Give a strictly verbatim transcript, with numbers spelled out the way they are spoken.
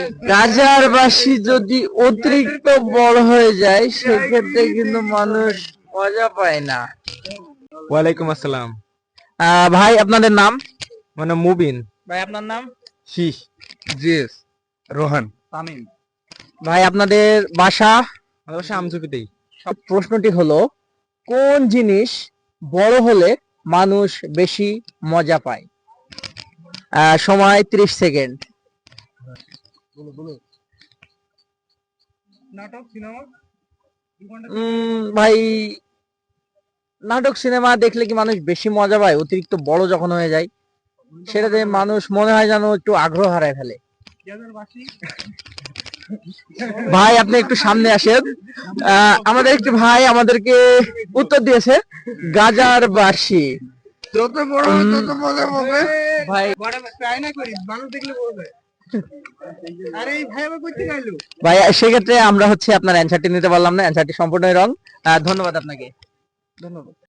গাজার বাসি যদি অতিরিক্ত বড় হয়ে যায় সেক্ষেত্রে কিন্তু মানুষ মজা পায় না। ওয়ালাইকুম আসসালাম। আহ, ভাই আপনাদের নাম? মানে মুবিন। ভাই আপনার নাম? শীষ। জিএস রোহান। তামিম। ভাই আপনাদের বাসা? অবশ্যই আমঝুপিতেই। প্রশ্নটি হলো, কোন জিনিস বড় হলে মানুষ বেশি মজা পায়? আহ, সময় ত্রিশ সেকেন্ড। নাটক সিনেমা উম, ভাই নাটক সিনেমা দেখলে কি মানুষ বেশি মজা পায় অতিরিক্ত বড় যখন হয়ে যায়? সেটাতে মানুষ মনে হয় যেন একটু আগ্রহ হারায় ফেলে। ভাই আপনি একটু সামনে আসেন। আহ, আমাদের একটি ভাই আমাদেরকে উত্তর দিয়েছে গাজার বাসি। যত বড় হবে তত মজা পাবে। ভাই বড় ট্রাই না করি, মানুষ দেখলে বলবে আরে এই ভাই আবার কইতে গেলো। ভাই সেক্ষেত্রে আমরা হচ্ছে আপনার অ্যান্সারটি নিতে পারলাম না, অ্যান্সারটি সম্পূর্ণই রং। ধন্যবাদ আপনাকে। ধন্যবাদ।